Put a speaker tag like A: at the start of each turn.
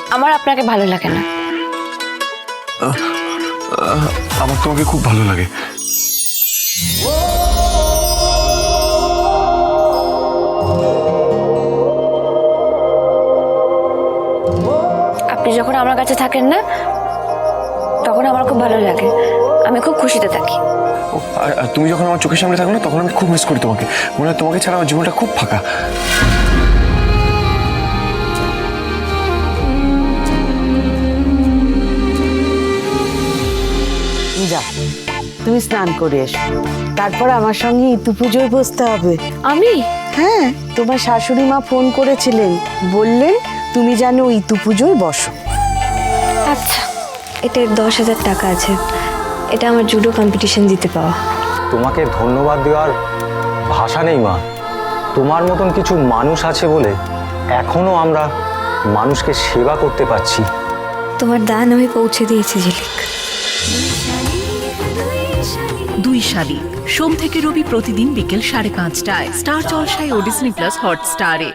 A: আমার আপনাকে ভালো লাগে না।
B: আমার তোমাকে খুব ভালো লাগে।
A: আপনি যখন আমার কাছে থাকেন না তখন আমার খুব ভালো লাগে, আমি খুব খুশিতে থাকি।
B: আর তুমি যখন আমার চোখের সামনে থাকো না তখন আমি খুব মিস করি তোমাকে। মনে হয় তোমাকে ছাড়া আমার জীবনটা খুব ফাঁকা।
C: যা, তুমি স্নান করে এসো, তারপর আমার সঙ্গে ইতু পুজোয় বসতে হবে।
A: আমি?
C: হ্যাঁ, তোমার শাশুড়ি মা ফোন করেছিলেন, বললেন তুমি যেন ইতু পুজোয় বসো।
A: আচ্ছা, এতে 10,000 টাকা আছে, এটা আমার জুডো কম্পিটিশন দিতে পাওয়া।
D: তোমাকে ধন্যবাদ দেওয়ার ভাষা নেই মা। তোমার মতন কিছু মানুষ আছে বলে এখনো আমরা মানুষকে সেবা করতে পারছি।
A: তোমার দান আমি পৌঁছে দিয়েছি ঝিলিক।
E: দুই শালিক সোম থেকে রবি প্রতিদিন বিকেল 5:30টায় স্টার জলসায় ও ডিজনি প্লাস হটস্টারে।